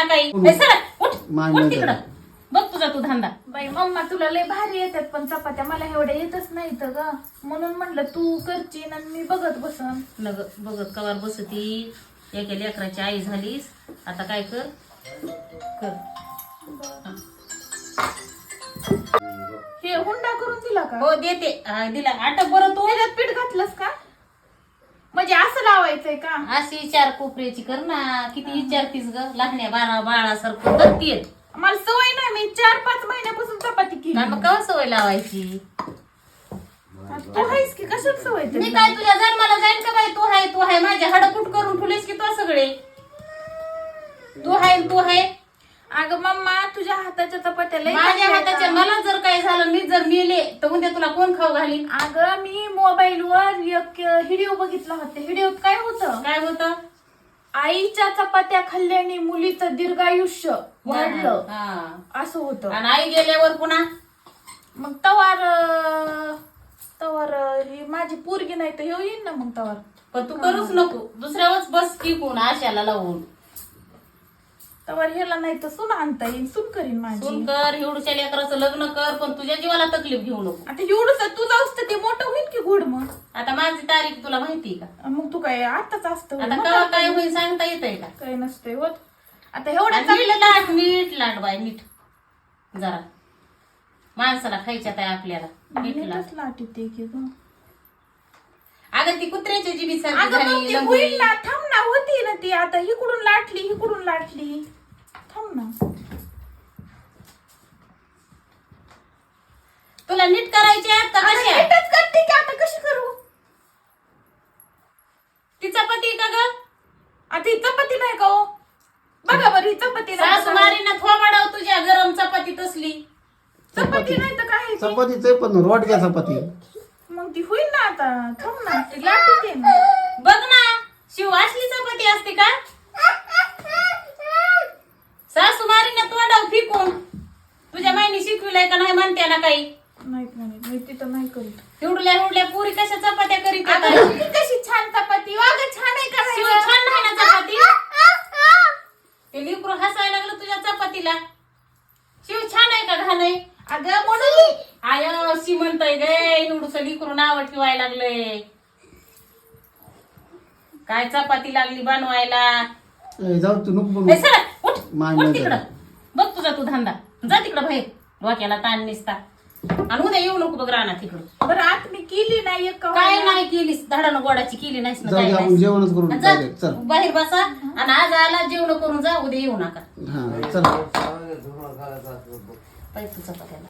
ना काही ए, सरक, उठ मान्य उठ तिकडं झालं. बघ तुझा तू धंदा. बाई मम्मा तुला लय भारी येतात पण चपात्या मला एवढ्या येतच नाहीत ग, म्हणून म्हणलं तू करशील आणि मी बघत बसन. नग बघत कवार बसती, एका लेकराची आई झालीस, आता काय कर कर. हे हुंडा करून दिला का? हो देते. दिला आटक बरं तू. त्याच्यात पीठ घातलंस का? म्हणजे असं लावायचंय का? अशी विचार कोपऱ्याची कर ना, किती विचारतीस ग, लहान्या बाळासारखं करतीये. मला सवय नाही, मी 4-5 महिन्यापासून चपाती केली. मग कवा सवय लावायची. तू आहेस की कशात सवय मी तुला? काय तुझ्या जन्माला जाईन का बाई. तू आहे माझे हाडकुट करून ठेवलेस की तो सगळे. तू आहे अगं मम्मा तुझ्या हाताच्या चपात्या लय माझ्या चांगल्या हाताच्या. आहेत. मला जर काय झालं, मी जर मेले तर उद्या तुला कोण खाऊ घालीन. अगं मी मोबाईल वर एक व्हिडिओ बघितला होता. व्हिडिओत काय होतं, काय होतं. आईच्या चपात्या खाल्ल्याने मुलीचं दीर्घायुष्य वाढलं हा. असं होतं. आणि आई गेल्यावर पुन्हा मग तवार ही माझी पोरगी नाही तर हे येईन ना मग तवार. पण तू करूच नको, दुसऱ्यावरच बस टिकून आशाला लावून. तवार ह्याला नाही तर सून आणता येईल, सून करीन माझी. सून कर, एवढ्या लेकराचं लग्न कर, पण तुझ्या जीवाला तकलीफ घेऊ नको. आता एवढंच तुझं असतं ते मोठं होईल की घोड मग. आता माझी तारीख तुला माहिती का. मग तू काय आताच असतं आता मग कवा काय होईल सांगता येतंय का. काय नसतंय होत. आता एवढं आणि नीट लाट बाय नीट जरा. माणसाला खायच्यात आहे आपल्याला. नीट लाट. नीटच लाट येते की ग. अगं ती कुत्र्याची जीबी सारखी अगं मग झाली ती लंगडी. होईल ना, थांब ना, होती ना ती. आता हिकडून लाटली थांब ना. तुला नीट करायची आहे का अगं कशा. नीटच करते की, आता कशी करू? ती चपाती का ग. आता ही चपाती नाही का हो? बघा बरं ही चपाती नाही सासू तर काय? मारीना थोबाडाव तुझ्या गरम चपाती तसली. चपाती नाही तर काय आहे ती? चपातीच आहे पण रोटक्या चपाती. मग ती होईल ना आता. थांब ना, लाटते ना. बघ ना शिव, असली चपाती असते का. सासू मारीना तोंडाव फिकून. तुझ्या माईने शिकविलंय का नाही म्हणते ना काही. नाही मी तिथं नाही करीत. हिवडल्या पुरी कशा चपात्या करीत अगं होत्या. ही कशी छान चपाती. अगं छान आहे का शिव नाही? छान नाही ना चपाती. ते लिकरू हसायला लागलं तुझ्या चपातीला. शिव छान आहे का घाण आहे. अगं म्हणून आय शी म्हणतय गे, निवडूस लिकरू नाव ठेवायला लागलंय. काय चपाती लागली बनवायला. ए, जाऊ तू नको ए, सरक, उठ मान्य उठ तिकडं झालं. बघ तुझा तू धंदा. जा तिकडं बाहेर, डोक्याला ताण निसता. आणि उद्या येऊ नको बघ राहणार तिकडं. बरं आत मी केली नाही एक काय नाही केलीस, धडानं गोडाची केली नाहीस ना जाऊ काय दे, आपण नाहीस. जेवणच करून जा, direct, चल. बाहेर बसा आणि आज आला जेवण करून जा, उद्या येऊ नका. हा चल. पाहिजे तुझा पत्याला.